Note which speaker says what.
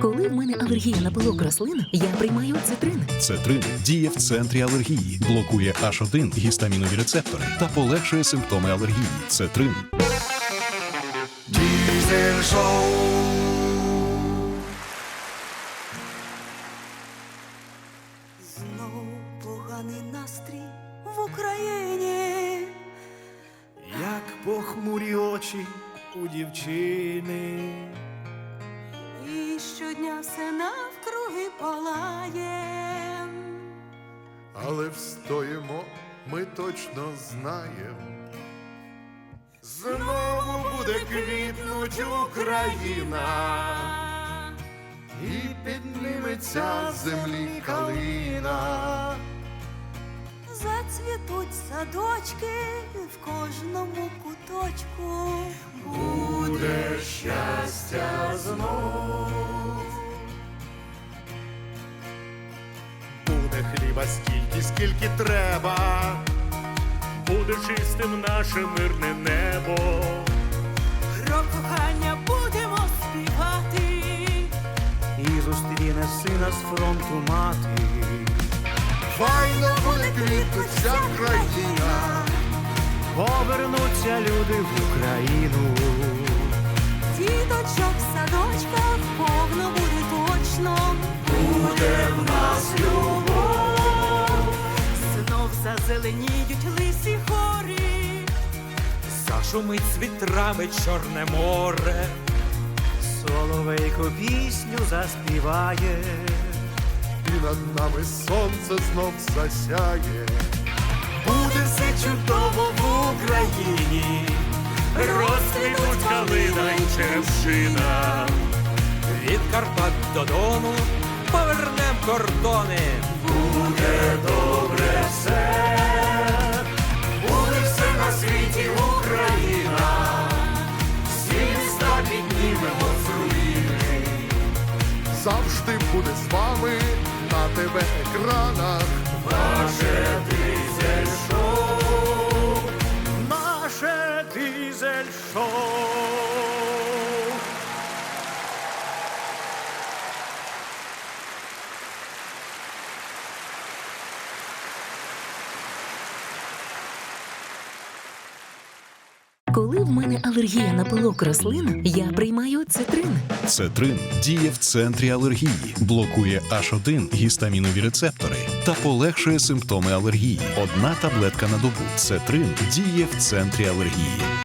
Speaker 1: Коли в мене алергія на пилок рослин, я приймаю цитрин.
Speaker 2: Цетрин діє в центрі алергії, блокує H1 гістамінові рецептори та полегшує симптоми алергії. Цетрин.
Speaker 3: Дізель шоу.
Speaker 4: Знову поганий настрій в Україні.
Speaker 3: Як похмурі очі у дівчини.
Speaker 4: І щодня все навкруги палає.
Speaker 5: Але встоїмо, ми точно знаємо. Знову буде квітнуть Україна, і підніметься з землі калина.
Speaker 4: Зацвітуть садочки в кожному куточку.
Speaker 5: Буде щастя знов. Буде хліба стільки, скільки треба.
Speaker 6: Буде чистим наше мирне небо.
Speaker 4: Про кохання будемо співати.
Speaker 3: І зустріне сина з фронту мати.
Speaker 5: Файно буде квітнуть вся країна.
Speaker 3: Повернуться люди в Україну.
Speaker 4: Діточок в садочках повно буде точно.
Speaker 5: Буде в нас любов.
Speaker 4: Знов зазеленіють лисі хорі.
Speaker 3: Зашумить з вітрами Чорне море. Соловейко пісню заспіває.
Speaker 5: І над нами сонце знов засяє. Буде все чудово в Україні.
Speaker 6: Розквітуть калина й черемшина.
Speaker 3: Від Карпат до Дону повернем кордони.
Speaker 5: Буде добре все. Буде все на світі Україна. Всі міста піднімемо з руїни. Завжди буде з вами на ТВ-екранах. Ваше дизель-шоу.
Speaker 3: Наше дизель-шоу.
Speaker 1: Коли в мене алергія на пилок рослин, я приймаю цитрин.
Speaker 2: Цетрин діє в центрі алергії, блокує H1 гістамінові рецептори та полегшує симптоми алергії. Одна таблетка на добу. Цетрин діє в центрі алергії.